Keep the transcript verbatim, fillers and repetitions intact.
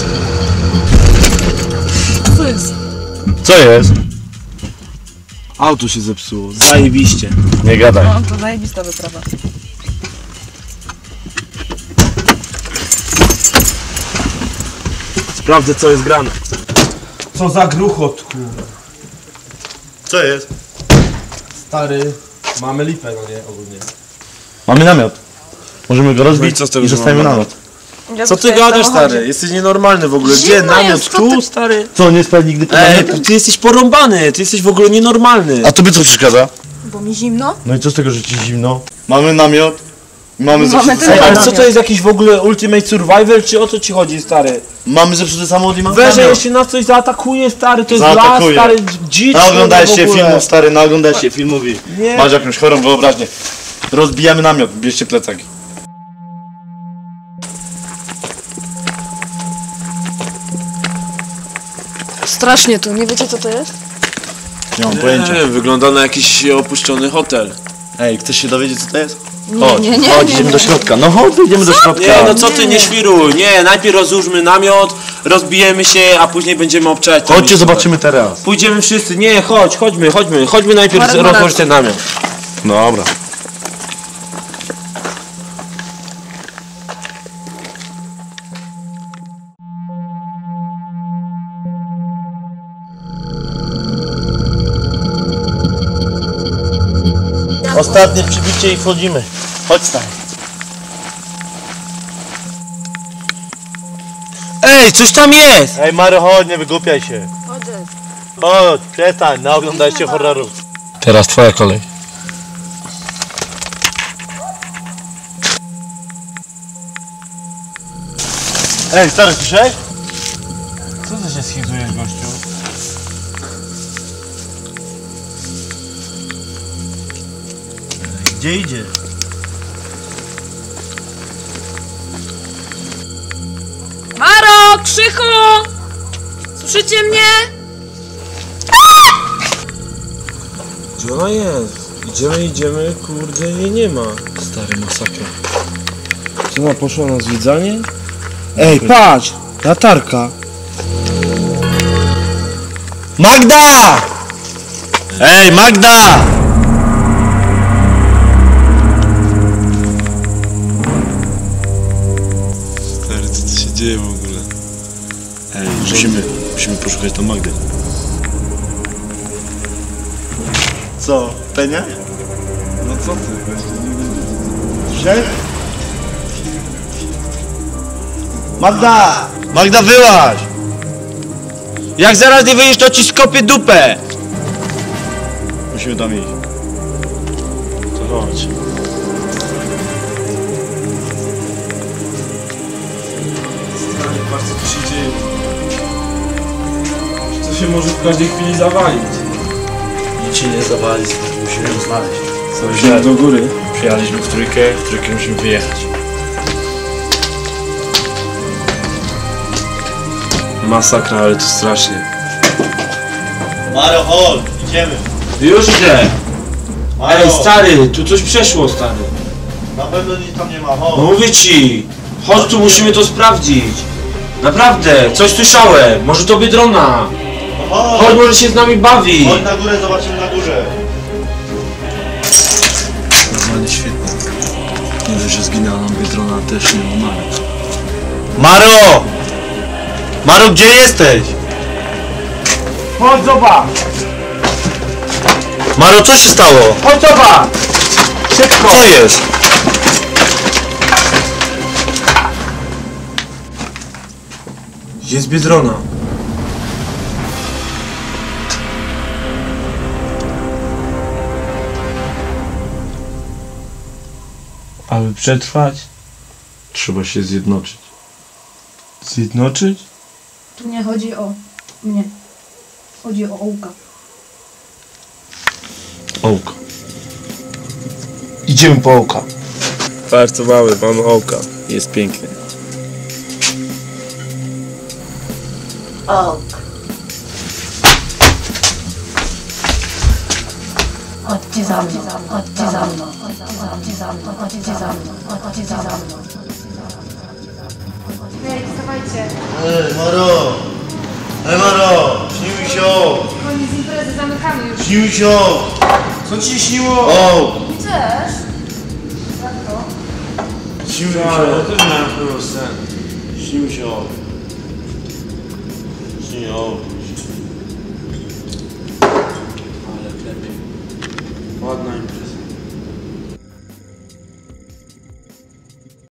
Co jest? Co jest? Auto się zepsuło, zajebiście. Nie gadaj. No, to zajebista wyprawa. Sprawdzę, co jest grane. Co za gruchot, kurwa. Co jest? Stary, mamy lipę, no nie, ogólnie. Mamy namiot. Możemy go rozbić co z tego, i że zostawimy mamy namiot. Ja Co ty zostaję w gadasz, samochodzie. stary? Jesteś nienormalny w ogóle. Gdzie Zimno namiot? jest, co Tu, ty- stary? Co, nie spali nigdy pod Ej, namiotem? ty jesteś porąbany, ty jesteś w ogóle nienormalny. A tobie co przeszkadza? Bo mi zimno? No i co z tego, że ci zimno? Mamy namiot. Mamy Mamy zepsuty ten Ej, ale samochód. co to jest jakiś w ogóle Ultimate Survival, czy o co ci chodzi, stary? Mamy zepsuty samochód i mamy Weź, że namiot. jeszcze nas coś zaatakuje, stary, to jest Zaatakuje. las, stary, dzicz. Naoglądałeś kurwa, się w ogóle. filmów, stary, naoglądałeś się filmów i Nie. masz jakąś chorą wyobraźnię. Rozbijamy namiot, bierzcie plecaki. Strasznie tu, nie wiecie co to jest? Nie mam pojęcia. Nie, wygląda na jakiś opuszczony hotel. Ej, chcesz się dowiedzieć co to jest? Nie, Chodź, nie, nie, chodź, nie, idziemy nie. do środka. No chodź, idziemy do środka. Nie, no co ty, Nie. nie świruj, nie, najpierw rozłóżmy namiot, rozbijemy się, a później będziemy obczać. to Chodźcie, miejsce. zobaczymy teraz. Pójdziemy wszyscy, nie, chodź, chodźmy, chodźmy, chodźmy najpierw Marek ma rozłożyć rację. ten namiot. Dobra. Ostatnie przybicie i wchodzimy. Chodź stary. Ej, coś tam jest! Ej Mary, chodź, nie wygłupiaj się. Chodzę. Chodź, przestań, naoglądaj się horrorów. Teraz twoja kolej. Ej, stary, słyszałeś? Co ty się schizujesz, gościu? Ej, gdzie idzie? Maro, Krzychu! Słyszycie mnie? Gdzie ona jest? Idziemy, idziemy, kurde, jej nie ma. Stary, masakra. Czy ona poszła na zwiedzanie? Ej, patrz! Latarka! Magda! Ej, Magda! Stary, co tu się dzieje w ogóle? Ej, musimy, musimy poszukać tą Magdę. Co, Penia? No co ty? Słyszałeś? Magda! Magda, wyłaź! Jak zaraz nie wyjdziesz, to ci skopię dupę! Musimy tam iść. To chodź. Stary, patrz co tu się dzieje. To się może w każdej chwili zawalić. Nic się nie zawali, musimy ją znaleźć. Idziemy do góry. Przyjechaliśmy w trójkę, w trójkę musimy wyjechać. Masakra, ale to strasznie. Maro, chodź, idziemy. Już idę! Maro, Ej, stary, tu coś przeszło, stary. na pewno nic tam nie ma, No chodź. mówię ci! Chodź tu, musimy to sprawdzić. Naprawdę, coś słyszałem. Może to Biedrona. No Chodź, chodź, może się z nami bawi. chodź na górę, zobaczymy na górze. Normalnie świetnie. Nie dość, że zginęła nam Biedrona, też nie umarł. Maro! Maro, gdzie jesteś? Chodź, zobacz! Maro, co się stało? Chodź, zobacz! Szybko! Co jest? Jest Biedrona. Aby przetrwać, trzeba się zjednoczyć. Zjednoczyć? Tu nie chodzi o mnie. Chodzi o ołka. Ołka. Idziemy po ołka. Bardzo mały, mamy ołka. Jest piękny. Oak. Chodźcie za mną, chodźcie za mną, chodźcie za mną, chodźcie za mną, chodźcie za mną. Dawajcie. Ej, Maro! Ej, Maro! Śni mi się! Koniec imprezy, zamykamy już. Śni mi się! Co ci się śniło? O! I też. Jak to? Śni mi Ja się! też miałem chyba sen. Śni mi się! Śni, o!